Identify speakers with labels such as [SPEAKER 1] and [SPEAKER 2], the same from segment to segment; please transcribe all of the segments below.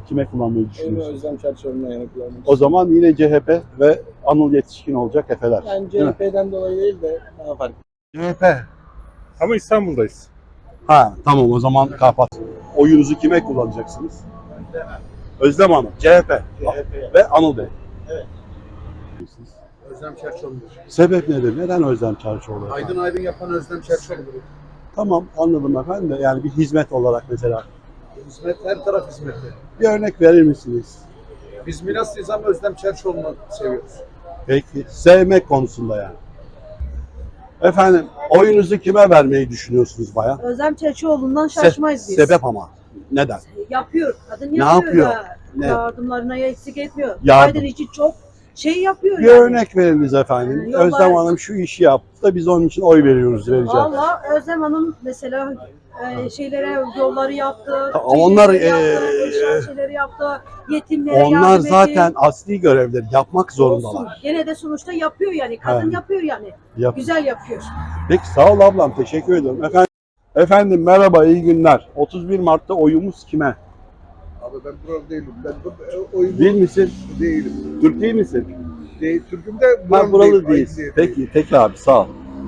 [SPEAKER 1] kime kullanmayı
[SPEAKER 2] Oyunu
[SPEAKER 1] düşünüyorsunuz?
[SPEAKER 2] Özlem Çerçoğlu'na yana kullanmak.
[SPEAKER 1] O zaman yine CHP ve Anıl Yetişkin olacak Efeler.
[SPEAKER 2] Yani
[SPEAKER 1] Değil mi?
[SPEAKER 2] CHP'den dolayı değil de daha farklı.
[SPEAKER 1] CHP.
[SPEAKER 3] Ama İstanbul'dayız.
[SPEAKER 1] Ha tamam, o zaman kapat. Oyunuzu kime kullanacaksınız? Özlem Hanım, CHP ve Anıl Bey.
[SPEAKER 2] Evet.
[SPEAKER 1] Siz?
[SPEAKER 2] Özlem Çerçoğlu'dur.
[SPEAKER 1] Sebep nedir? Neden Özlem Çerçoğlu?
[SPEAKER 2] Aydın Aydın yapan Özlem Çerçoğlu'dur.
[SPEAKER 1] Tamam, anladım efendim de yani bir hizmet olarak mesela.
[SPEAKER 2] Hizmet, her taraf hizmeti.
[SPEAKER 1] Bir örnek verir misiniz?
[SPEAKER 2] Biz Milaslıyız ama Özlem Çerçoğlu'nu seviyoruz.
[SPEAKER 1] Peki, sevmek konusunda yani. Efendim, oyunuzu kime vermeyi düşünüyorsunuz bayan?
[SPEAKER 4] Özlem Çerçioğlu'ndan şaşmayız biz.
[SPEAKER 1] Sebep ama. Neden?
[SPEAKER 4] Yapıyor. Kadın
[SPEAKER 1] Ne
[SPEAKER 4] yapıyor.
[SPEAKER 1] yapıyor?
[SPEAKER 4] Ya.
[SPEAKER 1] Ne?
[SPEAKER 4] Yardımlarına eksik etmiyor.
[SPEAKER 1] Yardım.
[SPEAKER 4] Biden için çok şey yapıyor
[SPEAKER 1] Bir
[SPEAKER 4] yani.
[SPEAKER 1] örnek veriniz efendim.
[SPEAKER 4] Yok,
[SPEAKER 1] Özlem
[SPEAKER 4] ben-
[SPEAKER 1] Hanım şu işi yaptı da biz onun için oy veriyoruz, vereceğiz.
[SPEAKER 4] Valla Özlem Hanım mesela şeylere yolları yaptı.
[SPEAKER 1] Onlar,
[SPEAKER 4] şeyleri yaptı. Yetimlere
[SPEAKER 1] Onlar
[SPEAKER 4] yardım
[SPEAKER 1] zaten
[SPEAKER 4] etti.
[SPEAKER 1] asli görevleri yapmak
[SPEAKER 4] Olsun.
[SPEAKER 1] zorundalar.
[SPEAKER 4] Gene de sonuçta yapıyor yani. Kadın
[SPEAKER 1] Evet.
[SPEAKER 4] yapıyor yani.
[SPEAKER 1] Yap.
[SPEAKER 4] Güzel yapıyor.
[SPEAKER 1] Peki sağ ol ablam, teşekkür ederim. Efendim merhaba, iyi günler. 31 Mart'ta oyumuz kime?
[SPEAKER 5] Abi ben buralı değilim. Ben oyunu
[SPEAKER 1] Değil misin?
[SPEAKER 5] değilim.
[SPEAKER 1] Türk değil misin?
[SPEAKER 5] Değil, Türk'üm de
[SPEAKER 1] Ben buralı
[SPEAKER 5] değilim.
[SPEAKER 1] değiliz.
[SPEAKER 5] Aydın
[SPEAKER 1] Peki abi, sağ ol.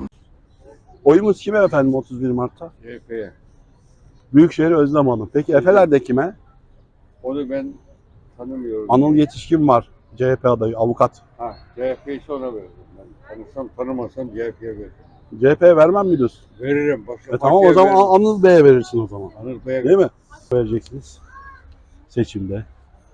[SPEAKER 1] Oyumuz kime efendim 31 Mart'ta?
[SPEAKER 3] CHP'ye.
[SPEAKER 1] Büyükşehir Özlem Hanım. Peki Efeler'de kime?
[SPEAKER 3] Onu ben tanımıyorum.
[SPEAKER 1] Anıl Yetişkin var. CHP adayı, avukat.
[SPEAKER 3] Ha, CHP'yi sonra veririm. Ben tanısam tanımasam CHP'ye veririm.
[SPEAKER 1] CHP'ye vermem mi diyorsun?
[SPEAKER 3] Veririm. Başka
[SPEAKER 1] Tamam, o
[SPEAKER 3] partiye
[SPEAKER 1] zaman
[SPEAKER 3] veririm.
[SPEAKER 1] Anıl Bey'e verirsin o zaman.
[SPEAKER 3] Anıl Bey'e
[SPEAKER 1] Değil mi? Vereceksiniz seçimde.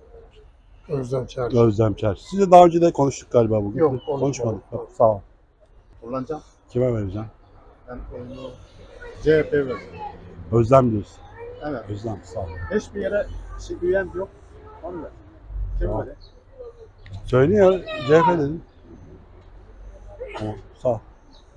[SPEAKER 2] Özlem Çerçoğlu.
[SPEAKER 1] Özlem Çer. Sizle daha önce de konuştuk galiba bugün.
[SPEAKER 2] Yok,
[SPEAKER 1] Konuşmadık. Sağ ol.
[SPEAKER 2] Kullanacağım.
[SPEAKER 1] Kime vereceğim?
[SPEAKER 2] Ben oyunu CHP veririm.
[SPEAKER 1] Özlem diyorsun.
[SPEAKER 2] Evet.
[SPEAKER 1] Özlem, sağ ol.
[SPEAKER 2] Hiçbir yere üyen yok. Onu ver.
[SPEAKER 1] Tamam. Söylüyor, CHP dedim. Tamam, sağ ol.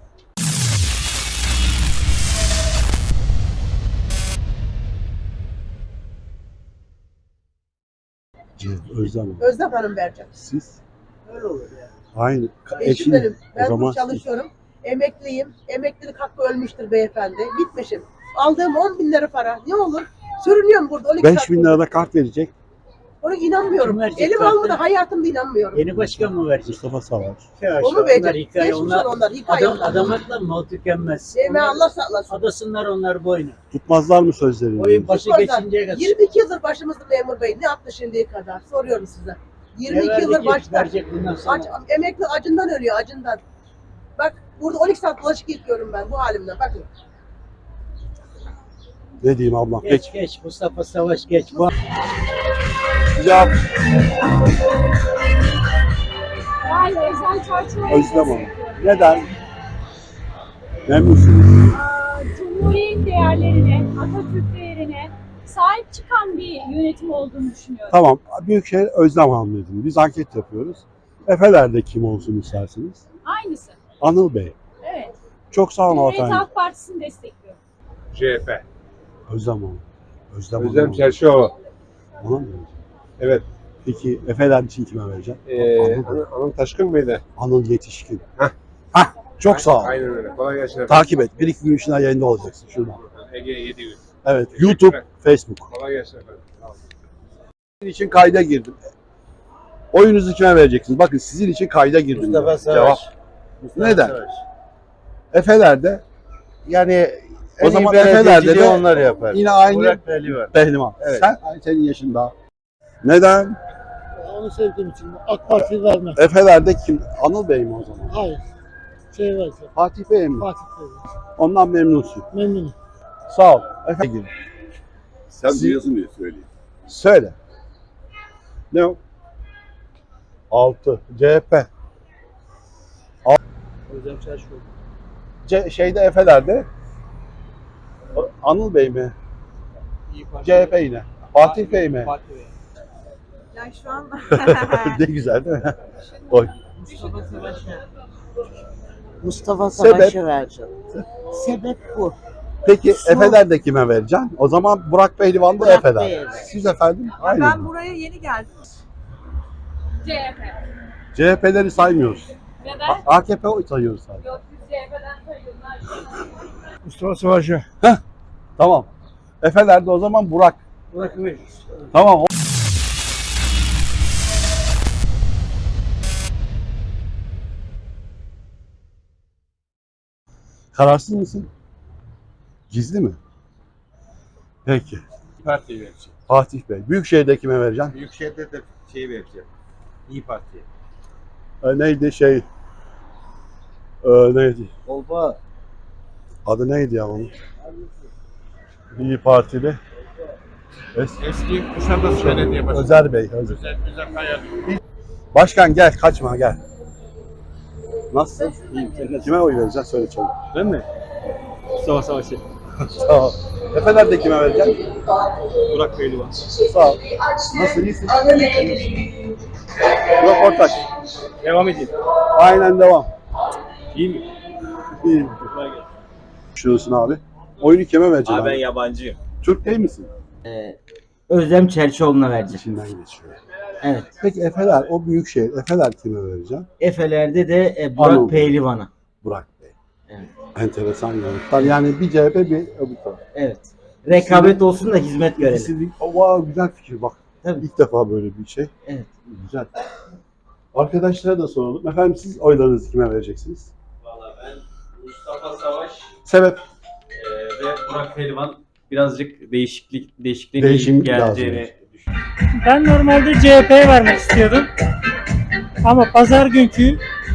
[SPEAKER 1] Özlem Hanım.
[SPEAKER 6] Özlem Hanım vereceğim.
[SPEAKER 1] Siz?
[SPEAKER 6] Öyle olur yani.
[SPEAKER 1] Aynı.
[SPEAKER 6] Eşim benim.
[SPEAKER 1] O
[SPEAKER 6] Ben
[SPEAKER 1] zaman
[SPEAKER 6] burada çalışıyorum. Emekliyim. Emeklilik hakkı ölmüştür beyefendi. Bitmişim. Aldığım 10 bin lira para. Ne olur? Sürünüyorum burada. 12
[SPEAKER 1] 5
[SPEAKER 6] saat
[SPEAKER 1] bin
[SPEAKER 6] burada.
[SPEAKER 1] lirada kart verecek.
[SPEAKER 6] Ona inanmıyorum.
[SPEAKER 7] Kim verecek
[SPEAKER 6] Elim
[SPEAKER 7] kartı?
[SPEAKER 6] almadı. Hayatımda inanmıyorum.
[SPEAKER 7] Yeni başkan mı verecek?
[SPEAKER 1] Mustafa Savaş.
[SPEAKER 6] Onu verecek.
[SPEAKER 7] Onlar hikaye,
[SPEAKER 6] Geçmiş onlar. Hikaye
[SPEAKER 7] Adam,
[SPEAKER 6] onlar.
[SPEAKER 7] adamakla mal tükenmez.
[SPEAKER 6] Sevme Allah sağlasın.
[SPEAKER 7] Adasınlar onlar boynu.
[SPEAKER 1] Tutmazlar mı sözlerini?
[SPEAKER 7] Oyun başı
[SPEAKER 6] Tutmazlar.
[SPEAKER 7] geçinceye kadar.
[SPEAKER 6] 22 yıldır başımızda memur bey. Ne yaptı şimdiye kadar? Soruyorum size. 22 yıldır başta.
[SPEAKER 7] Verecek bundan sonra.
[SPEAKER 6] Emekli acından ölüyor. Acından. Bak burada 12 saat bulaşık yıkıyorum ben bu halimle. Bakın.
[SPEAKER 1] Ne diyeyim ablam?
[SPEAKER 7] Geç
[SPEAKER 1] Peki.
[SPEAKER 7] geç Mustafa Savaş geç. Bu
[SPEAKER 1] Cevap
[SPEAKER 8] Yani Özlem Çerçoğlu.
[SPEAKER 1] Özlem Hanım. Neden? Memnunsunuz.
[SPEAKER 8] Cumhuriyet değerlerine, Atatürk değerine sahip çıkan bir yönetim olduğunu düşünüyorum.
[SPEAKER 1] Tamam. Büyükşehir Özlem Hanım dedim. Biz anket yapıyoruz. Efeler'de kim olsun istersiniz?
[SPEAKER 8] Aynısı.
[SPEAKER 1] Anıl Bey.
[SPEAKER 8] Evet.
[SPEAKER 1] Çok sağ olun
[SPEAKER 8] Cumhuriyet
[SPEAKER 1] hanımefendi.
[SPEAKER 8] Halk Partisi'ni destekliyorum.
[SPEAKER 3] CHP.
[SPEAKER 1] Özlem Hanım. Özlem
[SPEAKER 3] Özlem
[SPEAKER 1] Hanım.
[SPEAKER 3] Çerçoğlu.
[SPEAKER 1] Ona mı vereceğim?
[SPEAKER 3] Evet.
[SPEAKER 1] Peki Efeler için kime vereceğim? Anıl,
[SPEAKER 3] Anıl Taşkın mıydı?
[SPEAKER 1] Anıl Yetişkin.
[SPEAKER 3] Heh.
[SPEAKER 1] Çok sağ ol.
[SPEAKER 3] Aynen öyle. Kolay gelsin.
[SPEAKER 1] Takip et. Bir iki gün içinde yayında olacaksın şuradan.
[SPEAKER 3] Ege 7 gün.
[SPEAKER 1] Evet.
[SPEAKER 3] Teşekkürler.
[SPEAKER 1] YouTube, Facebook.
[SPEAKER 3] Kolay gelsin efendim. Sağ olun.
[SPEAKER 1] Sizin için kayda girdim. Oyunuzu kime vereceksiniz? Bakın sizin için kayda girdim.
[SPEAKER 2] Mustafa Savaş.
[SPEAKER 1] Cevap. Neden? Efeler'de
[SPEAKER 2] Yani
[SPEAKER 1] o zaman Efeler'de de
[SPEAKER 2] onlar yapar.
[SPEAKER 1] yine aynı
[SPEAKER 2] Pehlivan.
[SPEAKER 1] Pehlivan.
[SPEAKER 2] Evet.
[SPEAKER 1] Senin yaşın daha. Neden?
[SPEAKER 9] Onu sevdiğim için AK Parti vermem.
[SPEAKER 1] Efeler'de kim? Anıl Bey mi o zaman?
[SPEAKER 9] Hayır. Şey versin.
[SPEAKER 1] Fatih Bey mi?
[SPEAKER 9] Fatih Bey.
[SPEAKER 1] Ondan memnunsun.
[SPEAKER 9] Memnunum.
[SPEAKER 1] Sağ ol. Efendim.
[SPEAKER 5] Sen
[SPEAKER 1] Siz-
[SPEAKER 5] duyuyorsun diye söyleyeyim.
[SPEAKER 1] Söyle. Ne o? 6. CHP.
[SPEAKER 2] Özlem Çerçoğlu.
[SPEAKER 1] Şeyde Efeler'de Anıl Bey mi?
[SPEAKER 2] İyi Parti.
[SPEAKER 1] CHP yine. Fatih Bey mi?
[SPEAKER 2] Fatih Bey.
[SPEAKER 4] Ya şu an
[SPEAKER 1] Ne güzel değil mi? Oy.
[SPEAKER 6] Mustafa
[SPEAKER 1] Savaş'a
[SPEAKER 6] vereceğim. Sebep bu.
[SPEAKER 1] Peki Efeler'de kime vereceksin? O zaman Burak Pehlivan da
[SPEAKER 6] Burak
[SPEAKER 1] Efeler.
[SPEAKER 6] Bey'e.
[SPEAKER 1] Siz efendim? Aynı.
[SPEAKER 4] ben buraya yeni geldim.
[SPEAKER 8] CHP.
[SPEAKER 1] CHP'leri saymıyoruz.
[SPEAKER 8] Neden?
[SPEAKER 1] AKP oy sayıyoruz sadece.
[SPEAKER 8] Yok biz CHP'den sayıyorlar.
[SPEAKER 3] Mustafa Savaş'ı.
[SPEAKER 1] Tamam. Efeler'de o zaman Burak.
[SPEAKER 2] Burak veririz.
[SPEAKER 1] Tamam. Kararsız mısın? Gizli mi? Peki.
[SPEAKER 2] Partiye vereceğim.
[SPEAKER 1] Fatih Bey. Büyükşehir'de kime vereceksin?
[SPEAKER 2] Büyükşehir'de de şey vereceğim. İyi Parti'ye.
[SPEAKER 1] Neydi şey? Neydi?
[SPEAKER 2] Olba.
[SPEAKER 1] Adı neydi ya onun? İyi Partili.
[SPEAKER 2] Eski Kuşadası Belediye Başkanı.
[SPEAKER 1] Özer Bey. Özer.
[SPEAKER 2] Güzel hayal.
[SPEAKER 1] Başkan gel, kaçma gel. Nasılsın? İyiyim. Kime oy vereceksin? Söyle çabuk.
[SPEAKER 2] Ben mi? Mustafa Savaş'ı.
[SPEAKER 1] Sağ ol. Efeler'de kime vereceksin?
[SPEAKER 2] Burak Pehlivan.
[SPEAKER 1] Sağ ol. Nasıl, iyisin? Röportaj.
[SPEAKER 2] Devam edeyim.
[SPEAKER 1] Aynen devam.
[SPEAKER 2] İyi mi?
[SPEAKER 1] İyiyim. Düşünüyorsun abi. Oyunu kime vereceksin
[SPEAKER 2] Abi ben
[SPEAKER 1] abi?
[SPEAKER 2] yabancıyım.
[SPEAKER 1] Türk değil misin?
[SPEAKER 7] Özlem Çerçioğlu'na vereceğim.
[SPEAKER 1] İçinden geçiyor.
[SPEAKER 7] Evet.
[SPEAKER 1] Peki Efeler, o büyük şehir. Efeler kime vereceksin?
[SPEAKER 7] Efeler'de de
[SPEAKER 1] Anladım.
[SPEAKER 7] Burak Pehlivan'a.
[SPEAKER 1] Burak Bey.
[SPEAKER 7] Evet.
[SPEAKER 1] Enteresan yanıtlar. Yani bir CHP bir öbür taraf.
[SPEAKER 7] Evet. Rekabet olsun da hizmet görelim.
[SPEAKER 1] İkisi de- Wow, güzel fikir bak.
[SPEAKER 7] Tabii.
[SPEAKER 1] İlk defa böyle bir şey.
[SPEAKER 7] Evet.
[SPEAKER 1] Güzel. Arkadaşlara da soralım. Efendim siz oylarınızı kime vereceksiniz?
[SPEAKER 10] Valla ben Mustafa Savaş
[SPEAKER 1] Sebep?
[SPEAKER 10] ve Burak Pehlivan birazcık değişikliğin
[SPEAKER 1] Değişiklik
[SPEAKER 10] geleceğini
[SPEAKER 1] lazım.
[SPEAKER 10] düşünüyorum.
[SPEAKER 9] Ben normalde CHP'ye vermek istiyordum. Ama pazar günkü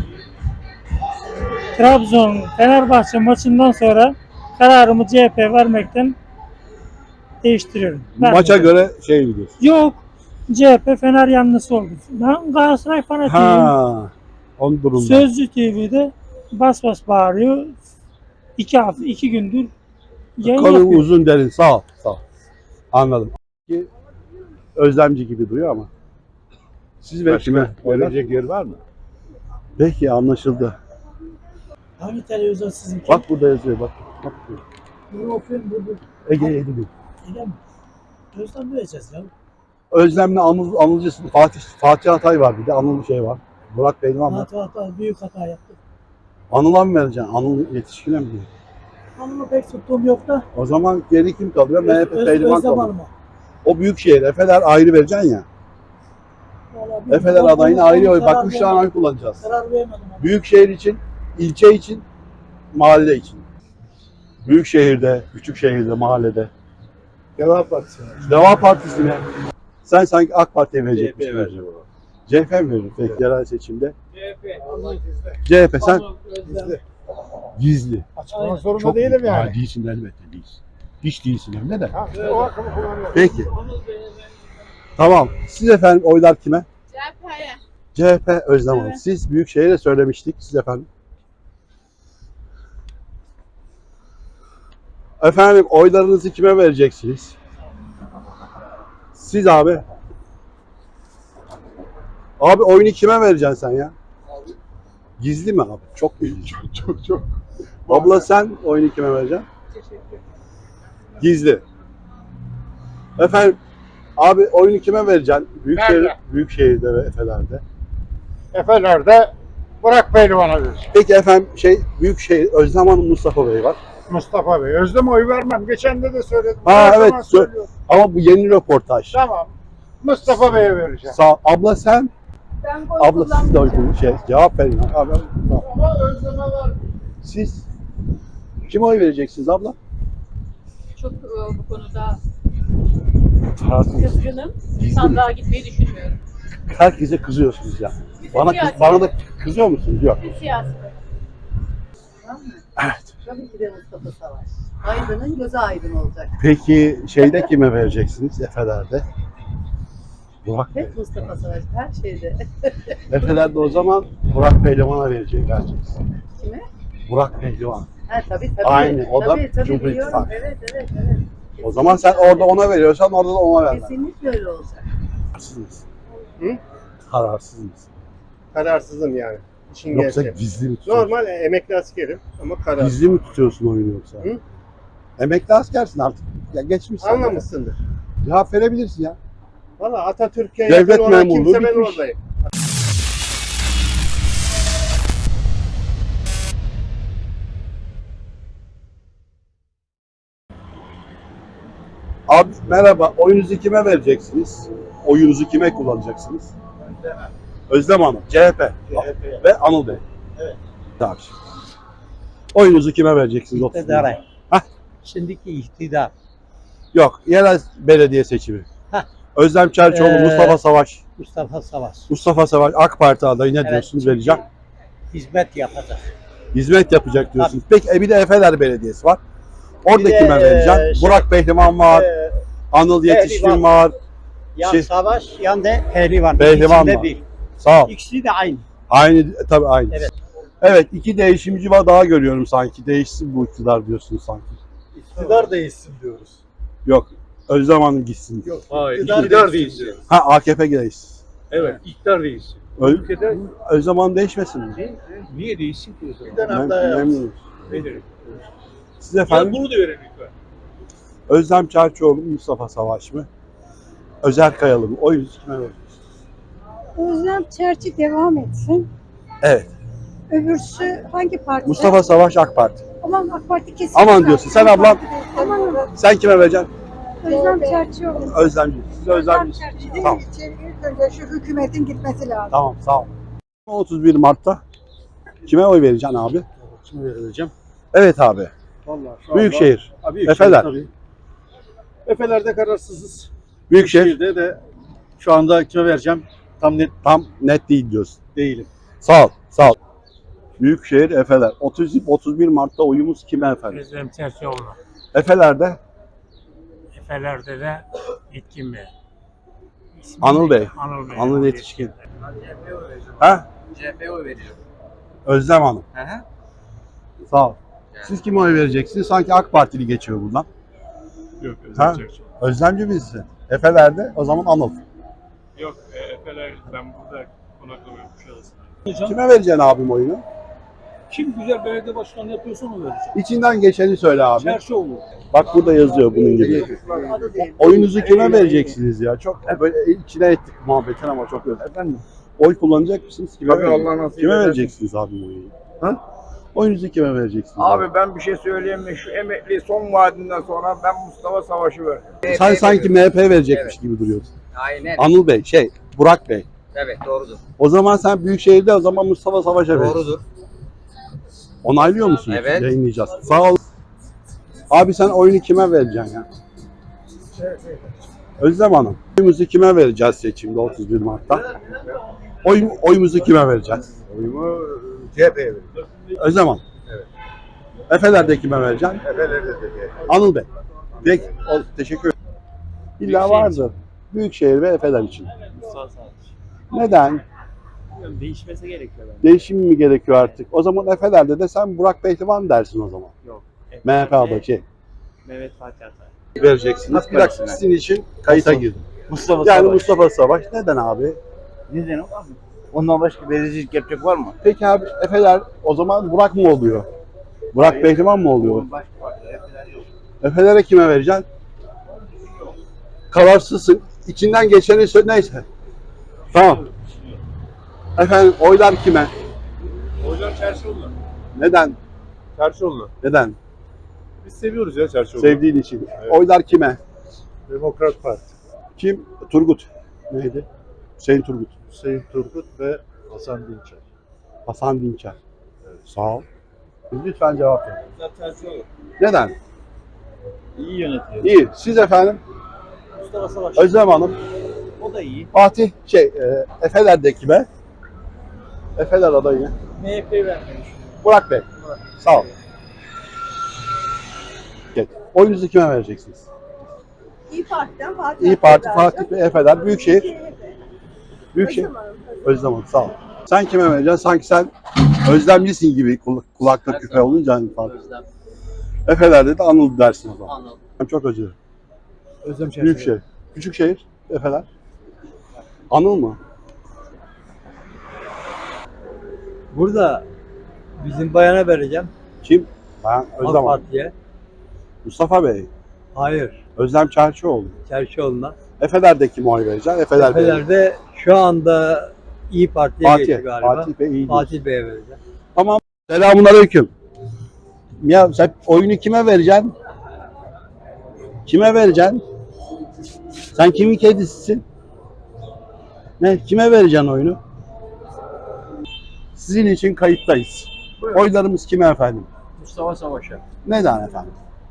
[SPEAKER 9] Trabzon Fenerbahçe maçından sonra kararımı CHP vermekten değiştiriyorum.
[SPEAKER 1] Maça
[SPEAKER 9] Vermiyorum.
[SPEAKER 1] göre şey gidiyorsun.
[SPEAKER 9] Yok. CHP Fener yanlısı oldu. Ben Galatasaray fanatiyim.
[SPEAKER 1] Ha, on durumda.
[SPEAKER 9] Sözcü TV'de bas bas bağırıyor. 2 gündür yayın
[SPEAKER 1] Konu
[SPEAKER 9] yapıyor.
[SPEAKER 1] uzun derin. Sağ ol. Sağ ol. Anladım. Ki özlemci gibi duruyor ama. Siz ve kime?
[SPEAKER 5] Verecek yer var mı?
[SPEAKER 1] Peki anlaşıldı.
[SPEAKER 9] Hangi televizyon sizinki?
[SPEAKER 1] Bak burada yazıyor bak. Bak.
[SPEAKER 9] Bunu okuyorum burada.
[SPEAKER 1] Ege Edildi.
[SPEAKER 9] Öyle mi? Gözden vereceğiz ya.
[SPEAKER 1] Özlem'le Anılcısın. Fatih Atay var bir de. Anıl şey var. Burak Pehlivan var.
[SPEAKER 9] Hata büyük hata yaptık.
[SPEAKER 1] Anıl'a mı vereceksin? Anıl yetişkine mi?
[SPEAKER 9] Hanımı pek tuttuğum yok da.
[SPEAKER 1] O zaman geri kim kalıyor? MHP Pehlivan
[SPEAKER 9] Özlem
[SPEAKER 1] kalıyor.
[SPEAKER 9] Hanım'a.
[SPEAKER 1] O büyük şehir. Efeler ayrı vereceksin ya.
[SPEAKER 9] Vallahi
[SPEAKER 1] Efeler
[SPEAKER 9] bilmiyorum.
[SPEAKER 1] adayını
[SPEAKER 9] Onu
[SPEAKER 1] ayrı oy.
[SPEAKER 9] karar
[SPEAKER 1] Bak 3 tane oy
[SPEAKER 9] vermedim.
[SPEAKER 1] kullanacağız.
[SPEAKER 9] Karar vermedim. ama.
[SPEAKER 1] Büyük şehir için, ilçe için, mahalle için. Büyük şehirde, küçük şehirde, mahallede.
[SPEAKER 5] Deva Partisi.
[SPEAKER 1] Deva Partisi'ne. Sen sanki AK Parti'ye verecekmişsin.
[SPEAKER 2] CHP'ye vereceğim.
[SPEAKER 1] CHP mi verir? Peki yerel seçimde.
[SPEAKER 9] Vallahi
[SPEAKER 1] CHP sen
[SPEAKER 9] Özlem.
[SPEAKER 1] gizli.
[SPEAKER 5] Açıklamak zorunda
[SPEAKER 1] Çok
[SPEAKER 5] değilim
[SPEAKER 1] Ha,
[SPEAKER 5] yani.
[SPEAKER 1] değilsin elbette değilsin. Hiç değilsin hem de.
[SPEAKER 5] Ha, o hakkımı kullanıyorum.
[SPEAKER 1] Peki. Tamam. Siz efendim oylar kime?
[SPEAKER 8] CHP'ye.
[SPEAKER 1] CHP Özlem Hanım. Siz Büyükşehir'e söylemiştik. Siz efendim. Efendim oylarınızı kime vereceksiniz? Siz abi. Abi oyunu kime vereceksin sen ya? Gizli mi abi? Çok gizli.
[SPEAKER 5] Çok.
[SPEAKER 1] Abla sen oyunu kime vereceksin? Gizli. Efendim abi oyunu kime vereceksin?
[SPEAKER 5] Nerede?
[SPEAKER 1] Büyükşehir'de ve Efeler'de.
[SPEAKER 5] Efeler'de Burak Pehlivan'a verir.
[SPEAKER 1] Peki efendim Büyükşehir Özlem Hanım Mustafa Bey var.
[SPEAKER 5] Mustafa Bey. Özlem'e oy vermem. Geçen de söyledim.
[SPEAKER 1] Ha,
[SPEAKER 5] Her
[SPEAKER 1] evet,
[SPEAKER 5] zaman söylüyorum.
[SPEAKER 1] Ama bu yeni röportaj.
[SPEAKER 5] Tamam. Mustafa Bey'e vereceğim.
[SPEAKER 1] Sağ abla sen
[SPEAKER 4] Ben oy
[SPEAKER 1] abla siz de oy cevap verin. Abi, tamam.
[SPEAKER 5] Ama Özlem'e ver.
[SPEAKER 1] Siz kime oy vereceksiniz abla?
[SPEAKER 8] Çok bu konuda
[SPEAKER 1] Kararsız.
[SPEAKER 8] kızgınım. Sandığa gitmeyi düşünmüyorum.
[SPEAKER 1] Herkese kızıyorsunuz ya.
[SPEAKER 8] Siyasi.
[SPEAKER 1] Bana da kızıyor musunuz? Yok.
[SPEAKER 8] Siyasi.
[SPEAKER 1] Evet.
[SPEAKER 6] Tabii ki de Mustafa Savaş. Aydın'ın gözü aydın olacak.
[SPEAKER 1] Peki şeyde kime vereceksiniz? Efeler'de. Burak Bey.
[SPEAKER 6] Hep Mustafa Savaş her şeyde.
[SPEAKER 1] Efeler'de o zaman Burak Pehlivan'a vereceksiniz.
[SPEAKER 6] Kime?
[SPEAKER 1] Burak Pehlivan.
[SPEAKER 6] Ha tabii.
[SPEAKER 1] Aynı, o da
[SPEAKER 6] tabii,
[SPEAKER 1] Cumhur
[SPEAKER 6] biliyorum.
[SPEAKER 1] İttifakı.
[SPEAKER 6] Evet.
[SPEAKER 1] O zaman sen orada ona veriyorsan orada da ona vermen.
[SPEAKER 6] Kesinlikle öyle olacak.
[SPEAKER 1] Kararsız mısın?
[SPEAKER 5] Hı?
[SPEAKER 1] Kararsız mısın?
[SPEAKER 5] Kararsızım yani. İşin
[SPEAKER 1] Yoksa
[SPEAKER 5] gerçeği.
[SPEAKER 1] gizli mi tutuyorsun?
[SPEAKER 5] Normal emekli askerim ama kararsız.
[SPEAKER 1] Gizli mi tutuyorsun oyunu yoksa?
[SPEAKER 5] Hı?
[SPEAKER 1] Emekli askersin artık. Ya geçmişsin.
[SPEAKER 5] Anlamışsındır.
[SPEAKER 1] Cevap verebilirsin ya.
[SPEAKER 5] Valla Atatürk'e
[SPEAKER 1] Devlet
[SPEAKER 5] yakın olan
[SPEAKER 1] memurluğu
[SPEAKER 5] kimse ben
[SPEAKER 1] bitmiş.
[SPEAKER 5] oradayım.
[SPEAKER 1] Abi merhaba. Oyunuzu kime vereceksiniz? Oyunuzu kime kullanacaksınız? Özlem Hanım. CHP. Ve Anıl Bey.
[SPEAKER 2] Evet.
[SPEAKER 1] Tabii. Oyunuzu kime vereceksiniz? 30
[SPEAKER 11] İktidara.
[SPEAKER 1] Hah.
[SPEAKER 11] Şimdiki iktidar.
[SPEAKER 1] Yok, yerel belediye seçimi.
[SPEAKER 11] Hah.
[SPEAKER 1] Özlem Çerçioğlu, Mustafa Savaş.
[SPEAKER 11] Mustafa Savaş.
[SPEAKER 1] Mustafa Savaş AK Parti adayı ne
[SPEAKER 11] Evet.
[SPEAKER 1] diyorsunuz, vereceğim?
[SPEAKER 11] Hizmet yapacak.
[SPEAKER 1] Hizmet yapacak diyorsunuz. Peki bir de Efeler Belediyesi var. Orada
[SPEAKER 11] Bir de,
[SPEAKER 1] kime vereceğim? Burak Pehlivan var, Anıl Yetişkin
[SPEAKER 11] Pehlivan.
[SPEAKER 1] var.
[SPEAKER 11] Yan
[SPEAKER 1] Şey-
[SPEAKER 11] Savaş, yan da Pehlivan.
[SPEAKER 1] Pehlivan
[SPEAKER 11] İkisi de
[SPEAKER 1] var.
[SPEAKER 11] bir.
[SPEAKER 1] Sağ ol.
[SPEAKER 11] İkisi de aynı.
[SPEAKER 1] Aynı, tabii aynı.
[SPEAKER 11] Evet.
[SPEAKER 1] Evet, iki değişimci var daha görüyorum sanki. Değişsin bu iktidar diyorsunuz sanki.
[SPEAKER 5] İktidar değişsin diyoruz.
[SPEAKER 1] Yok, Özlem Hanım gitsin.
[SPEAKER 5] Yok.
[SPEAKER 2] Hayır.
[SPEAKER 5] İktidar değişsin.
[SPEAKER 1] Ha, AKP değişsin.
[SPEAKER 2] Evet. İktidar değişsin.
[SPEAKER 1] Ülkede Özlem Hanım değişmesin mi?
[SPEAKER 2] Niye değişsin ki o zaman?
[SPEAKER 5] Bir dönem daha yapsın.
[SPEAKER 1] Memnunum.
[SPEAKER 2] Verelim.
[SPEAKER 1] Siz efendim?
[SPEAKER 2] Bunu da verelim lütfen.
[SPEAKER 1] Özlem Çerçioğlu, Mustafa Savaş mı? Özer Kayalı mı? Oyunuzu kime veriyorsunuz?
[SPEAKER 4] Özlem Çerçi devam etsin.
[SPEAKER 1] Evet.
[SPEAKER 4] Öbürsü hangi parti?
[SPEAKER 1] Mustafa Savaş AK Parti.
[SPEAKER 4] Aman AK Parti kesin.
[SPEAKER 1] Aman diyorsun. Sen ablam,
[SPEAKER 4] Aman
[SPEAKER 1] sen kime vereceksin?
[SPEAKER 4] Özlem Çerçioğlu.
[SPEAKER 1] Özlemci. Siz Özlemci. Tamam.
[SPEAKER 4] İlk önce şu hükümetin gitmesi lazım.
[SPEAKER 1] Tamam, sağ ol. 31 Mart'ta kime oy vereceksin abi?
[SPEAKER 5] Kime vereceğim?
[SPEAKER 1] Evet abi.
[SPEAKER 5] Vallahi şu
[SPEAKER 1] Büyükşehir.
[SPEAKER 5] anda-
[SPEAKER 1] Efeler.
[SPEAKER 5] Tabii. Efeler'de kararsızız.
[SPEAKER 1] Büyükşehir.
[SPEAKER 5] Büyükşehir'de de şu anda kime vereceğim tam net
[SPEAKER 1] Tam net değil diyorsun.
[SPEAKER 5] değilim.
[SPEAKER 1] Sağ ol, sağ ol. Büyükşehir Efeler. 31 Mart'ta oyumuz kime efendim?
[SPEAKER 9] Özlem Çerçioğlu.
[SPEAKER 1] Efeler'de
[SPEAKER 9] Efeler'de de Yetkin Bey. İsmi
[SPEAKER 1] Anıl
[SPEAKER 9] ne?
[SPEAKER 1] Bey.
[SPEAKER 9] Anıl Bey.
[SPEAKER 1] Anıl Yetişkin. Ha?
[SPEAKER 10] CHP'ye oy veriyorum.
[SPEAKER 1] Özlem Hanım.
[SPEAKER 10] Hı hı.
[SPEAKER 1] Sağ ol. Siz kime oy vereceksiniz? Sanki AK Partili geçiyor buradan.
[SPEAKER 2] Yok.
[SPEAKER 1] Ha? Özlemci birisi. Efeler'de o zaman Anıl.
[SPEAKER 2] Yok. Efeler ben burada konaklamıyorum. Kuşadası'nda.
[SPEAKER 1] Kime vereceksin abim oyunu?
[SPEAKER 2] Kim güzel belediye başkanı yapıyorsa onu vereceğim.
[SPEAKER 1] İçinden geçeni söyle abi.
[SPEAKER 2] Çerçioğlu.
[SPEAKER 1] Bak burada yazıyor bunun gibi. Oyunuzu kime vereceksiniz ya? Çok böyle içine ettik muhabbetin ama çok öyle. Efendim, oy kullanacak mısınız? Kime, kime vereceksiniz abim oyunu? Ha? Oyunuzu kime vereceksiniz?
[SPEAKER 12] Abi ben bir şey söyleyeyim mi? Şu emekli son vaadinden sonra ben Mustafa Savaş'ı verdim.
[SPEAKER 1] Sen sanki MHP verecekmiş gibi duruyorsun.
[SPEAKER 12] Aynen.
[SPEAKER 1] Anıl Bey, Burak Bey.
[SPEAKER 12] Evet doğrudur.
[SPEAKER 1] O zaman sen Büyükşehir'de o zaman Mustafa Savaş'a verirsin.
[SPEAKER 12] Doğrudur.
[SPEAKER 1] Onaylıyor musun?
[SPEAKER 12] Evet.
[SPEAKER 1] Yayınlayacağız. Sağ ol. Abi sen oyunu kime vereceksin ya? Özlem Hanım. Oyumuzu kime vereceğiz seçimde 31 Mart'ta? Oyumuzu kime vereceğiz?
[SPEAKER 3] Oyumu CHP'ye veriyorum.
[SPEAKER 1] Özlem Hanım.
[SPEAKER 3] Evet.
[SPEAKER 1] Efeler'de kime vereceksin?
[SPEAKER 3] Efeler'de de CHP.
[SPEAKER 1] Anıl Bey. Peki, teşekkür ederim. İlla vardır. Büyükşehir ve Efeler için.
[SPEAKER 2] Mustafa Savaş.
[SPEAKER 1] Neden?
[SPEAKER 2] Değişmesi gerekiyor bence.
[SPEAKER 1] Değişim mi gerekiyor artık? O zaman Efeler'de de sen Burak Pehlivan dersin o zaman.
[SPEAKER 2] Yok.
[SPEAKER 1] MHP adayı
[SPEAKER 2] Mehmet Fatih Atay.
[SPEAKER 1] vereceksiniz. Bir dakika sizin için kayıta girdim.
[SPEAKER 11] Mustafa
[SPEAKER 1] Yani
[SPEAKER 11] Savaş.
[SPEAKER 1] Mustafa Savaş. Neden abi?
[SPEAKER 11] Neden var mı? Ondan başka belediyelik yapacak var mı?
[SPEAKER 1] Peki abi Efeler o zaman Burak mı oluyor? Burak Pehlivan mı oluyor? Efeler'e kime vereceksin? Kararsızsın. İçinden geçeni söyle. Neyse. Tamam. Efendim oylar kime?
[SPEAKER 5] Oylar Çerçioğlu.
[SPEAKER 1] Neden?
[SPEAKER 5] Çerçioğlu.
[SPEAKER 1] Neden?
[SPEAKER 5] Biz seviyoruz ya Çerçioğlu.
[SPEAKER 1] Sevdiğin için.
[SPEAKER 5] Evet.
[SPEAKER 1] Oylar kime?
[SPEAKER 5] Demokrat Parti.
[SPEAKER 1] Kim? Turgut. Neydi? Hüseyin Turgut.
[SPEAKER 5] Hüseyin Turgut ve Hasan Dinçer.
[SPEAKER 1] Hasan Dinçer. Sağ ol. Lütfen cevap verin.
[SPEAKER 2] Çerçioğlu.
[SPEAKER 1] Neden?
[SPEAKER 2] İyi yönetiyor.
[SPEAKER 1] İyi. Siz efendim?
[SPEAKER 2] Mustafa Savaş.
[SPEAKER 1] Özlem Hanım.
[SPEAKER 2] O da iyi.
[SPEAKER 1] Fatih Efeler'de kime? Efeler adayı.
[SPEAKER 2] MHP vermemiş.
[SPEAKER 1] Burak Bey. Sağ ol. Evet. Oyunuzu kime vereceksiniz?
[SPEAKER 6] İyi Parti'den Fatih.
[SPEAKER 1] İyi Parti, Fatih Bey, Efeler, Büyükşehir. Büyükşehir. Özlem Hanım, sağ ol. Sen kime vereceksin? Sanki sen özlemlisin gibi kulakta küpe olunca hani Fatih. Efeler'de de Anıl dersin o zaman.
[SPEAKER 12] Anıl.
[SPEAKER 1] Ben çok özür dilerim.
[SPEAKER 5] Özlem Çerçioğlu.
[SPEAKER 1] Büyükşehir. Küçükşehir, Efeler. Anıl mı?
[SPEAKER 11] Burada bizim bayana vereceğim.
[SPEAKER 1] Kim? Ben Özlem Hanım.
[SPEAKER 11] Parti'ye.
[SPEAKER 1] Mustafa Bey.
[SPEAKER 11] Hayır.
[SPEAKER 1] Özlem Çerçioğlu.
[SPEAKER 11] Çerçioğlu'na.
[SPEAKER 1] Efeler'de kime oy vereceksin? Efeler Bey.
[SPEAKER 11] Efeler'de şu anda İyi Parti'ye geçti galiba.
[SPEAKER 1] Fatih Bey iyi.
[SPEAKER 11] Fatih Bey'e vereceğim.
[SPEAKER 1] Tamam. Selamünaleyküm. Ya sen oyunu kime vereceksin? Kime vereceksin? Sen kimin kedisisin? Ne? Kime vereceksin oyunu? Sizin için kayıttayız. Oylarımız kime efendim?
[SPEAKER 12] Mustafa Savaş'a.
[SPEAKER 1] Neden efendim?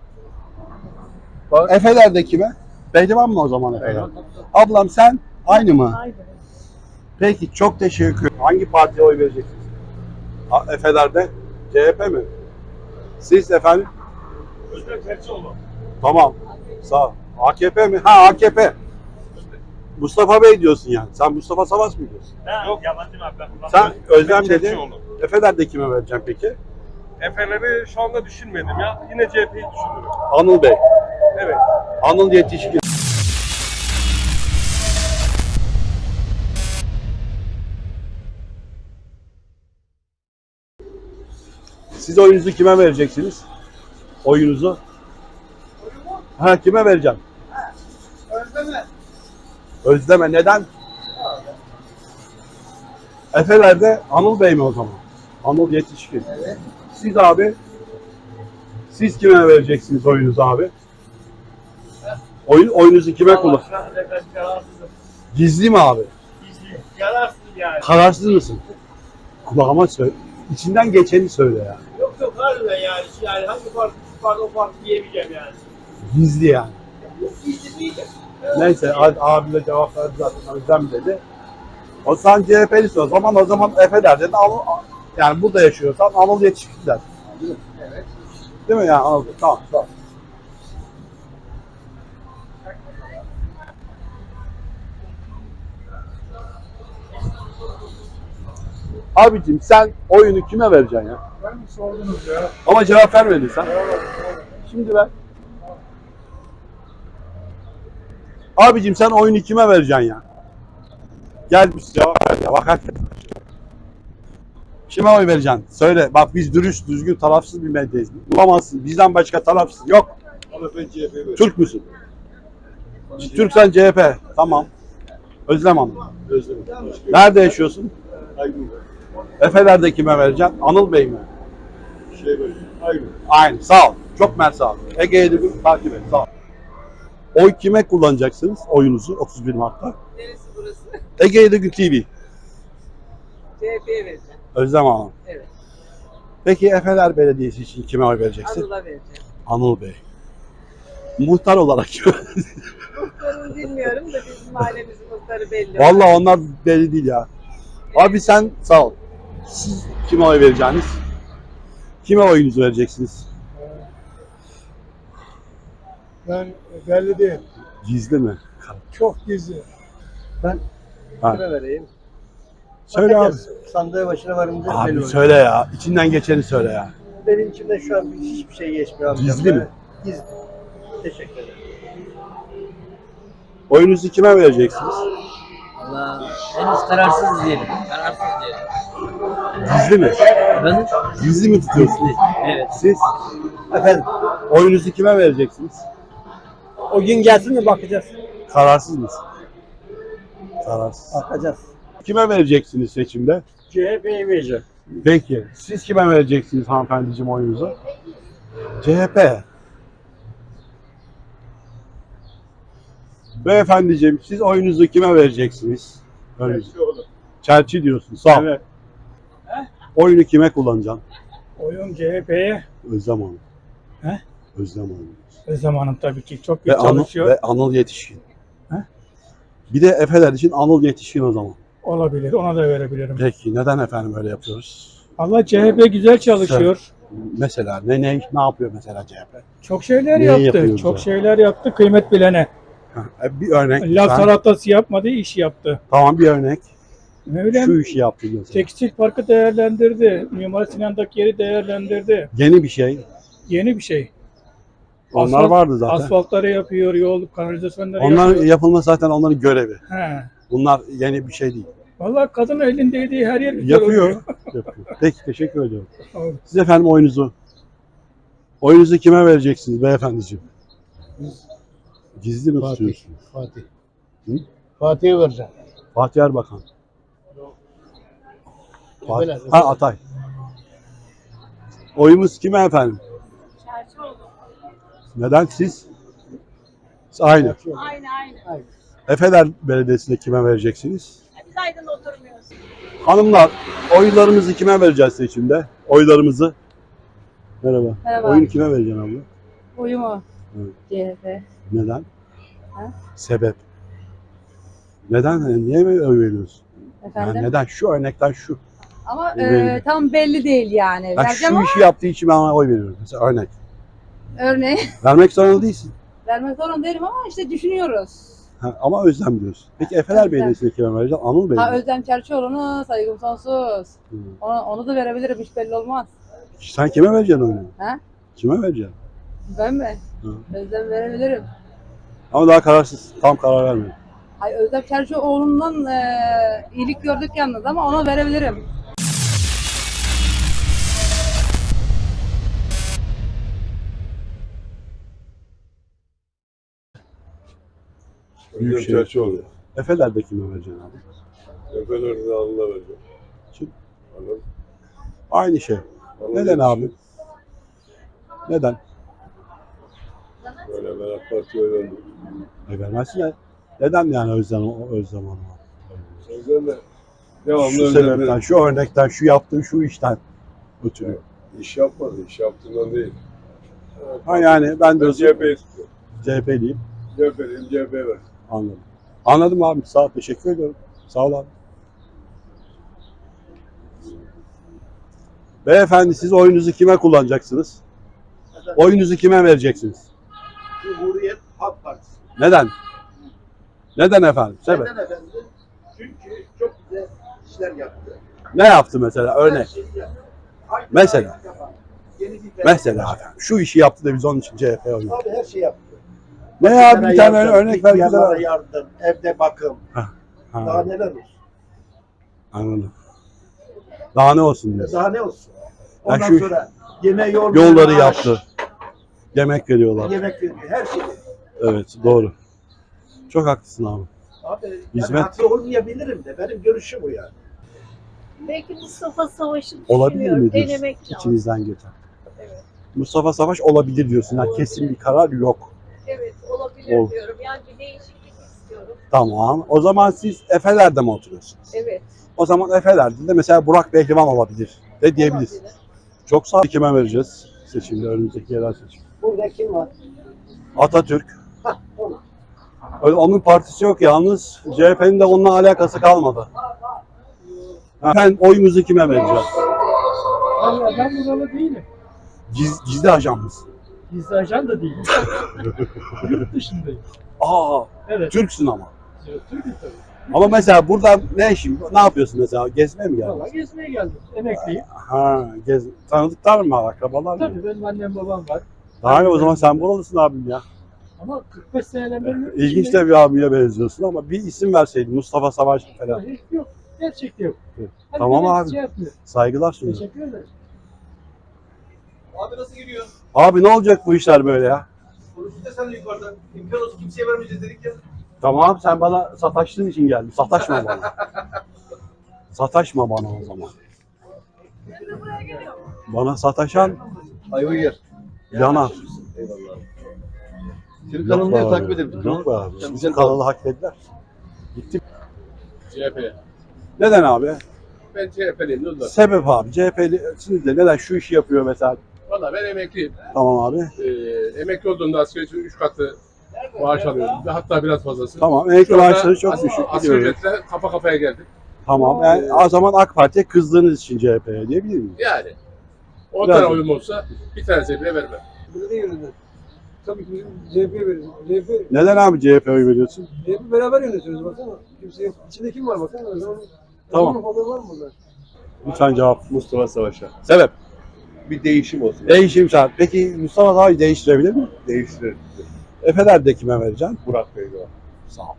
[SPEAKER 1] Efeler'de kime? Pehlivan mı o zaman Efeler? Ablam sen aynı mı?
[SPEAKER 4] Aynı.
[SPEAKER 1] Peki çok teşekkür ederim. Hangi partiye oy vereceksiniz? Efeler'de CHP mi? Siz efendim?
[SPEAKER 12] Özlem Tercioğlu.
[SPEAKER 1] Tamam. Sağ ol. AKP mi? Ha AKP. Mustafa Bey diyorsun yani. Sen Mustafa Savaş mı diyorsun?
[SPEAKER 12] Yok yabancı abi ben.
[SPEAKER 1] Sen Özlem dedin. Efeler'de kime vereceğim peki?
[SPEAKER 12] Efeleri şu anda düşünmedim ya. Yine CHP'yi düşünüyorum.
[SPEAKER 1] Anıl Bey.
[SPEAKER 12] Evet.
[SPEAKER 1] Anıl Yetişkin. Siz oyunuzu kime vereceksiniz? Oyunuzu? Ha kime vereceğim?
[SPEAKER 6] Özleme.
[SPEAKER 1] Özleme. Neden? Efeler'de Anıl Bey mi o zaman? Anıl Yetişkin.
[SPEAKER 6] Evet.
[SPEAKER 1] Siz abi? Siz kime vereceksiniz oyunuzu abi? Oyunuzu kime kullan?
[SPEAKER 12] Kararsızım.
[SPEAKER 1] Gizli mi abi?
[SPEAKER 12] Gizli. Kararsızım yani.
[SPEAKER 1] Kararsız mısın? Kulağıma söyle. İçinden geçeni söyle ya.
[SPEAKER 12] Yok yok harbiden yani. Yani hangi parti o parti diyemeyeceğim yani.
[SPEAKER 1] Gizli yani.
[SPEAKER 12] Gizli diyeceğim.
[SPEAKER 1] Neyse abi de cevap verdi zaten. Özlem dedi. O sen CHP'lisin o zaman Efeler'de de yani burada yaşıyorsan Anıl Yetişkin der.
[SPEAKER 6] Evet.
[SPEAKER 1] Değil mi yani Anıl? Tamam. Abicim sen oyunu kime vereceksin ya?
[SPEAKER 5] Ben mi sordunuz ya?
[SPEAKER 1] Ama cevap vermedin sen. Şimdi ver. Abicim sen oyunu kime vereceksin ya? Gel bir cevap ver ya. Bak hakikaten. Kime oy vereceksin? Söyle. Bak biz dürüst, düzgün, tarafsız bir medyayız. Bulamazsın. Bizden başka tarafsız yok.
[SPEAKER 5] Ama ben CHP'ye veriyorum.
[SPEAKER 1] Türk müsün? Türksen CHP. Tamam. Özlem Hanım.
[SPEAKER 5] Özlem.
[SPEAKER 1] Nerede yaşıyorsun?
[SPEAKER 5] Aynı.
[SPEAKER 1] Efeler'de kime vereceksin? Anıl Bey mi?
[SPEAKER 5] Şey böyle. Aynı.
[SPEAKER 1] Aynı. Sağ ol. Çok mersi sağ ol. Ege'yi de takip et. Sağ ol. Oy kime kullanacaksınız? Oyunuzu 31 Mart'ta.
[SPEAKER 6] Neresi burası?
[SPEAKER 1] Ege'yi de TV.
[SPEAKER 6] CHP'ye vereceğim.
[SPEAKER 1] Özlem Hanım.
[SPEAKER 6] Evet.
[SPEAKER 1] Peki Efeler Belediyesi için kime oy vereceksin?
[SPEAKER 6] Anıl'a vereceğim.
[SPEAKER 1] Anıl Bey. Muhtar olarak kime?
[SPEAKER 6] Muhtarını bilmiyorum da bizim mahallemizin muhtarı belli.
[SPEAKER 1] Vallahi onlar belli değil ya. Abi sen sağ ol. Siz kime oy vereceksiniz? Kime oyunuzu vereceksiniz?
[SPEAKER 5] Ben belli değil.
[SPEAKER 1] Gizli mi?
[SPEAKER 5] Çok gizli.
[SPEAKER 11] Kime vereyim?
[SPEAKER 1] Söyle abi.
[SPEAKER 11] Sandığı başına varınca belli
[SPEAKER 1] Abi
[SPEAKER 11] olur.
[SPEAKER 1] söyle ya. İçinden geçeni söyle ya.
[SPEAKER 11] Benim içimde şu an hiçbir şey geçmiyor amcam.
[SPEAKER 1] Gizli mi?
[SPEAKER 11] Gizli. Teşekkür ederim.
[SPEAKER 1] Oyunuzu kime vereceksiniz?
[SPEAKER 7] Valla henüz kararsız diyelim. Kararsız diyelim.
[SPEAKER 1] Gizli mi?
[SPEAKER 7] Ben
[SPEAKER 1] Gizli mi tutuyorsunuz?
[SPEAKER 7] evet.
[SPEAKER 1] Siz
[SPEAKER 11] Efendim,
[SPEAKER 1] oyunuzu kime vereceksiniz?
[SPEAKER 11] o gün gelsin de bakacağız.
[SPEAKER 1] Kararsız mısın? Kararsız.
[SPEAKER 11] Bakacağız.
[SPEAKER 1] Kime vereceksiniz seçimde?
[SPEAKER 11] CHP'ye vereceğim.
[SPEAKER 1] Peki. Siz kime vereceksiniz hanımefendiciğim oyunuzu? CHP. Beyefendiciğim siz oyunuzu kime vereceksiniz? Çerçi diyorsun. Sağ ol.
[SPEAKER 5] Evet.
[SPEAKER 1] Oyunu kime kullanacaksın?
[SPEAKER 9] Oyun CHP'ye.
[SPEAKER 1] Özlem Hanım.
[SPEAKER 9] He?
[SPEAKER 1] Özlem Hanım.
[SPEAKER 9] Özlem Hanım tabii ki çok iyi
[SPEAKER 1] Ve
[SPEAKER 9] çalışıyor.
[SPEAKER 1] ve Anıl Yetişkin.
[SPEAKER 9] He?
[SPEAKER 1] Bir de Efeler için Anıl Yetişkin o zaman.
[SPEAKER 9] Olabilir. Ona da verebilirim.
[SPEAKER 1] Peki neden efendim öyle yapıyoruz?
[SPEAKER 9] Allah CHP güzel çalışıyor.
[SPEAKER 1] Mesela ne yapıyor mesela CHP?
[SPEAKER 9] Çok şeyler
[SPEAKER 1] Neyi
[SPEAKER 9] yaptı.
[SPEAKER 1] yapıyor
[SPEAKER 9] Çok
[SPEAKER 1] bize?
[SPEAKER 9] şeyler yaptı. Kıymet bilene.
[SPEAKER 1] Bir örnek.
[SPEAKER 9] Laf
[SPEAKER 1] lütfen.
[SPEAKER 9] salatası yapmadı, iş yaptı.
[SPEAKER 1] Tamam bir örnek.
[SPEAKER 9] Öyle
[SPEAKER 1] Şu işi yaptı mesela.
[SPEAKER 9] Tekstil parkı değerlendirdi. Mimar Sinan'daki yeri değerlendirdi.
[SPEAKER 1] Yeni bir şey.
[SPEAKER 9] Yeni bir şey.
[SPEAKER 1] Onlar
[SPEAKER 9] Asfalt-
[SPEAKER 1] vardı zaten.
[SPEAKER 9] Asfaltları yapıyor, yol, kanalizasyonları
[SPEAKER 1] Onlar
[SPEAKER 9] yapıyor.
[SPEAKER 1] yapılması zaten onların görevi.
[SPEAKER 9] He.
[SPEAKER 1] Bunlar yeni bir şey değil.
[SPEAKER 9] Vallahi kadın elindeydiği her yer güzel
[SPEAKER 1] Yapıyor.
[SPEAKER 9] oluyor.
[SPEAKER 1] Yapıyor. Peki teşekkür ediyorum.
[SPEAKER 9] Oldu.
[SPEAKER 1] Siz efendim oyunuzu kime vereceksiniz beyefendiciğim? Gizli mi tutuyorsunuz?
[SPEAKER 5] Fatih.
[SPEAKER 1] Hı?
[SPEAKER 5] Fatih'e vereceğim.
[SPEAKER 1] Fatih Erbakan.
[SPEAKER 5] Efeler,
[SPEAKER 1] Ha Atay. Oyumuz kime efendim?
[SPEAKER 8] Çerçioğlu.
[SPEAKER 1] Neden siz? Aynı.
[SPEAKER 8] Aynı.
[SPEAKER 1] Efeler Belediyesi'ne kime vereceksiniz?
[SPEAKER 8] Biz Aydın'da oturmuyoruz.
[SPEAKER 1] Hanımlar, oylarımızı kime vereceğiz seçimde? Oylarımızı Merhaba.
[SPEAKER 8] Merhaba.
[SPEAKER 1] Oyunu kime vereceksin abla?
[SPEAKER 8] Oyumu.
[SPEAKER 1] Evet.
[SPEAKER 8] CHP.
[SPEAKER 1] Neden?
[SPEAKER 8] Ha?
[SPEAKER 1] Sebep. Neden? Niye böyle oy veriyorsun?
[SPEAKER 8] Efendim?
[SPEAKER 1] Yani neden? Şu örnekten şu.
[SPEAKER 8] Ama
[SPEAKER 1] Benim.
[SPEAKER 8] tam belli değil yani.
[SPEAKER 1] Ben
[SPEAKER 8] Vereceğim
[SPEAKER 1] şu
[SPEAKER 8] ama
[SPEAKER 1] işi yaptığı için ben ona oy veriyorum. Mesela örnek.
[SPEAKER 8] örneği
[SPEAKER 1] Vermek zorunda değilsin.
[SPEAKER 8] vermek zorunda değilim ama işte düşünüyoruz.
[SPEAKER 1] Ha, ama Özlem diyorsun. Peki Efeler
[SPEAKER 8] Özlem.
[SPEAKER 1] Belediyesi'ne kime vereceksin? Anıl Bey
[SPEAKER 8] Ha
[SPEAKER 1] mi?
[SPEAKER 8] Özlem Çerçioğlu'na saygım sonsuz.
[SPEAKER 1] Hı.
[SPEAKER 8] Onu da verebilirim, hiç belli olmaz.
[SPEAKER 1] Sen kime vereceksin oyunu?
[SPEAKER 8] Ha?
[SPEAKER 1] Kime vereceksin?
[SPEAKER 8] Ben mi?
[SPEAKER 1] Hı.
[SPEAKER 8] Özlem verebilirim.
[SPEAKER 1] Ama daha kararsız. Tam karar vermedim.
[SPEAKER 8] Hayır, Özlem Çerçioğlu'ndan iyilik gördük yalnız ama ona verebilirim.
[SPEAKER 1] Büyük şey.
[SPEAKER 3] Çerçoğlu.
[SPEAKER 1] Efeler'de kime vereceksin abi?
[SPEAKER 3] Efeler'de Anıl'a vereceğim.
[SPEAKER 1] Kim?
[SPEAKER 3] Anıl.
[SPEAKER 1] Aynı şey.
[SPEAKER 3] Anıl
[SPEAKER 1] Neden
[SPEAKER 3] yetişiyor.
[SPEAKER 1] abi? Neden?
[SPEAKER 3] Böyle ben AK Parti'ye verdim.
[SPEAKER 1] Vermezsin ya. Neden yani Özlem Hanım?
[SPEAKER 3] Sözden de devamlı
[SPEAKER 1] Şu
[SPEAKER 3] Özlem'den
[SPEAKER 1] sebepten, şu örnekten, şu yaptığı şu işten ötürü.
[SPEAKER 3] iş yapmadı. İş yaptığından değil.
[SPEAKER 1] Ha yani ben de
[SPEAKER 3] Ben CHP'yi tutuyorum.
[SPEAKER 1] CHP'liyim.
[SPEAKER 3] CHP'liyim, CHP'ye ver.
[SPEAKER 1] Anladım. Anladım abi. Sağ ol. Teşekkür ediyorum. Sağ ol abi. Beyefendi siz oyunuzu kime kullanacaksınız? Oyunuzu kime vereceksiniz?
[SPEAKER 2] Cumhuriyet Halk Partisi.
[SPEAKER 1] Neden? Neden efendim? Sebep.
[SPEAKER 2] Neden efendim? Çünkü çok güzel işler yaptı.
[SPEAKER 1] Ne yaptı mesela? Örnek.
[SPEAKER 2] Her şeyi yaptı. Aynı
[SPEAKER 1] Mesela.
[SPEAKER 2] yapan, yeni bir
[SPEAKER 1] Mesela efendim. Şu işi yaptı da biz onun için CHP'ye oynuyoruz.
[SPEAKER 2] Abi her şey yaptı.
[SPEAKER 1] Ne ya bir tane örnek ver bize.
[SPEAKER 2] Yanlara yardım, evde bakım.
[SPEAKER 1] Ha.
[SPEAKER 2] Daha neler olsun?
[SPEAKER 1] Anladım. Daha ne olsun diyorsun?
[SPEAKER 2] Daha ne olsun?
[SPEAKER 1] Ya
[SPEAKER 2] Ondan
[SPEAKER 1] şu
[SPEAKER 2] sonra yolları
[SPEAKER 1] yolları yaptı. Yemek veriyorlar.
[SPEAKER 2] Yemek veriyor. Her şey.
[SPEAKER 1] Evet doğru. Çok haklısın abi.
[SPEAKER 2] Abi
[SPEAKER 1] Hizmet.
[SPEAKER 2] ben haklı olmayabilirim de benim görüşüm bu yani.
[SPEAKER 4] Belki Mustafa Savaş'ı
[SPEAKER 1] Olabilir
[SPEAKER 4] düşünüyorum.
[SPEAKER 1] mi diyorsun?
[SPEAKER 4] Denemek lazım.
[SPEAKER 1] İçinizden geçen.
[SPEAKER 4] Evet.
[SPEAKER 1] Mustafa Savaş olabilir diyorsun. Yani kesin bir karar yok.
[SPEAKER 4] Evet, olabilir
[SPEAKER 1] Ol.
[SPEAKER 4] diyorum. Yani bir değişiklik istiyorum.
[SPEAKER 1] Tamam. O zaman siz Efeler'de mi oturuyorsunuz?
[SPEAKER 4] Evet.
[SPEAKER 1] O zaman Efeler'de de mesela Burak Behlivan olabilir de diyebiliriz.
[SPEAKER 4] Olabilir.
[SPEAKER 1] Çok sağ ol. Kime vereceğiz seçimde, önümüzdeki yerel seçim?
[SPEAKER 2] Burada kim var?
[SPEAKER 1] Atatürk.
[SPEAKER 2] Onu.
[SPEAKER 1] Öyle onun partisi yok yalnız. CHP'nin de onunla alakası kalmadı. Ben oyumuzu kime vereceğiz?
[SPEAKER 9] Vallahi ben buralı değilim.
[SPEAKER 1] Gizli ajan mısın?
[SPEAKER 9] Gizli ajan da değilim. Yurt dışındayım.
[SPEAKER 1] Aa,
[SPEAKER 9] Evet.
[SPEAKER 1] Türksün ama.
[SPEAKER 9] Türk'üm tabii.
[SPEAKER 1] Ama mesela buradan ne işin? Ne yapıyorsun mesela? Gezmeye mi geldin?
[SPEAKER 9] Vallahi gezmeye geldim. Emekliyim.
[SPEAKER 1] Ha, tanıdıklar mı var? Akrabalar mı?
[SPEAKER 9] Tabii benim annem babam var.
[SPEAKER 1] Daha iyi o zaman sen buralısın abim ya.
[SPEAKER 9] Ama 45 seneden beri yurt
[SPEAKER 1] İlginç
[SPEAKER 9] dışındayım.
[SPEAKER 1] de bir abiye benziyorsun ama bir isim verseydin Mustafa Savaş falan.
[SPEAKER 9] Hiç yok. Gerçekten yok.
[SPEAKER 1] Evet.
[SPEAKER 9] Hani
[SPEAKER 1] Tamam
[SPEAKER 9] böyle
[SPEAKER 1] abi.
[SPEAKER 9] Şey yapmıyor.
[SPEAKER 1] Saygılar sunuyorum.
[SPEAKER 9] Teşekkür ederim.
[SPEAKER 2] Abi nasıl gidiyor?
[SPEAKER 1] Abi ne olacak bu işler böyle ya?
[SPEAKER 2] Konuştuk da sen de yukarıda. İmkan olsun kimseye vermeyeceğiz dedik ya.
[SPEAKER 1] Tamam sen bana sataştığın için geldin. Sataşma bana. Sataşma bana o zaman. Bana sataşan
[SPEAKER 2] Ayvayır.
[SPEAKER 1] yanar.
[SPEAKER 2] Eyvallah. Senin
[SPEAKER 1] Yok
[SPEAKER 2] kanalını
[SPEAKER 1] be
[SPEAKER 2] da
[SPEAKER 1] abi.
[SPEAKER 2] takip edelim.
[SPEAKER 1] Yok be abi.
[SPEAKER 2] Sen
[SPEAKER 1] Bizim
[SPEAKER 2] güzel
[SPEAKER 1] kanalı hak ettiler. Gittim.
[SPEAKER 3] CHP.
[SPEAKER 1] Neden abi?
[SPEAKER 3] Ben CHP'liyim. Ne oldu?
[SPEAKER 1] Sebep abi. CHP'lisiniz de neden şu işi yapıyor mesela?
[SPEAKER 3] Valla ben emekliyim.
[SPEAKER 1] Tamam abi.
[SPEAKER 3] Emekli olduğumda asgari ücretin 3 katı maaş alıyordum. Hatta biraz fazlası.
[SPEAKER 1] Tamam. Emekli
[SPEAKER 3] Şu anda
[SPEAKER 1] maaşları çok düşük.
[SPEAKER 3] Asgari
[SPEAKER 1] biliyorum.
[SPEAKER 3] ücretle kafa kafaya geldik.
[SPEAKER 1] Tamam. Yani o zaman AK Parti'ye kızdığınız için CHP'ye diyebilir miyim?
[SPEAKER 3] Yani 10
[SPEAKER 1] Biraz-
[SPEAKER 3] tane oyum olsa bir tanesi bile vermem.
[SPEAKER 5] Burada yönetiyor. Tabii ki CHP'ye veririz. CHP,
[SPEAKER 1] Neden abi CHP'ye oy veriyorsun?
[SPEAKER 5] CHP beraber yönetiyoruz baksana. Kimse yok. İçinde kim var baksana.
[SPEAKER 1] Tamam.
[SPEAKER 5] Falan var mı burada?
[SPEAKER 1] Lütfen cevap.
[SPEAKER 3] Mustafa Savaş'a.
[SPEAKER 1] Sebep?
[SPEAKER 3] Bir değişim olsun.
[SPEAKER 1] Değişim şart. Peki Mustafa Savaş değiştirebilir mi?
[SPEAKER 3] Değiştirelim.
[SPEAKER 1] Efeler'de kime vereceksin?
[SPEAKER 3] Burak Bey'de var.
[SPEAKER 1] Sağ ol.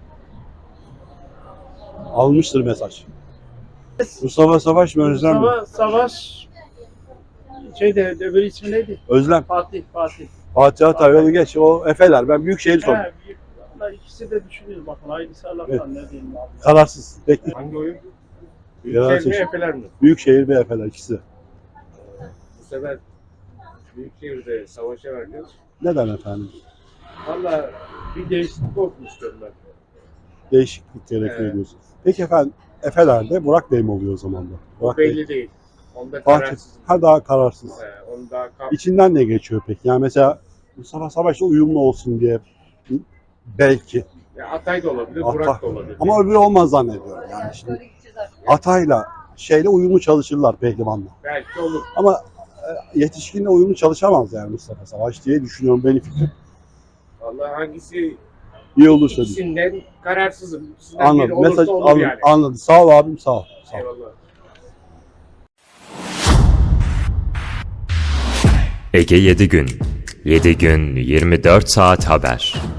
[SPEAKER 1] Almıştır mesaj. Mustafa Savaş mı Özlem mi?
[SPEAKER 9] Mustafa Savaş öbür ismi neydi?
[SPEAKER 1] Özlem.
[SPEAKER 9] Fatih.
[SPEAKER 1] Fatih Atay yolu geç. O Efeler. Ben Büyükşehir sordum.
[SPEAKER 9] Vallahi ikisi de düşünüyoruz bakın. Aynısı Allah'tan ne diyeyim abi.
[SPEAKER 1] Kararsız. Bekle.
[SPEAKER 3] Hangi oyun?
[SPEAKER 1] Yerel
[SPEAKER 3] Büyükşehir mi
[SPEAKER 1] seçim.
[SPEAKER 3] Efeler mi?
[SPEAKER 1] Büyükşehir ve Efeler ikisi de.
[SPEAKER 3] Bu sefer Büyükşehir'de Savaş'a vereceğiz.
[SPEAKER 1] Neden efendim?
[SPEAKER 3] Valla bir değişiklik olsun istiyorum ben.
[SPEAKER 1] Değişiklik gerekiyor
[SPEAKER 3] Evet.
[SPEAKER 1] diyorsun. Peki efendim Efeler'de Burak Bey mi oluyor o zaman da?
[SPEAKER 3] O
[SPEAKER 1] Burak Bey.
[SPEAKER 3] belli değil. Onda
[SPEAKER 1] Fatih.
[SPEAKER 3] kararsız.
[SPEAKER 1] Ha, daha kararsız.
[SPEAKER 3] Onda
[SPEAKER 1] İçinden ne geçiyor peki? Yani mesela Mustafa Savaş'la uyumlu olsun diye belki.
[SPEAKER 3] ya Atay da olabilir,
[SPEAKER 1] Ata-
[SPEAKER 3] Burak da olabilir.
[SPEAKER 1] Ama öbürü olmaz zannediyorum yani şimdi. Atay'la şeyle uyumlu çalışırlar pehlivanla.
[SPEAKER 3] Belki olur.
[SPEAKER 1] Ama yetişkinle uyumlu çalışamaz yani Mustafa Savaş diye düşünüyorum, benim fikrim.
[SPEAKER 3] Vallahi hangisi
[SPEAKER 1] İyi olursa diye.
[SPEAKER 3] ikisinden kararsızım. İkisinden biri
[SPEAKER 1] Anladım.
[SPEAKER 3] olursa
[SPEAKER 1] Mesaj
[SPEAKER 3] olur
[SPEAKER 1] anladım.
[SPEAKER 3] yani.
[SPEAKER 1] Anladım. Sağ ol abim, sağ ol. Sağ ol.
[SPEAKER 3] Eyvallah.
[SPEAKER 13] Ege 7 gün. 7 gün 24 saat haber.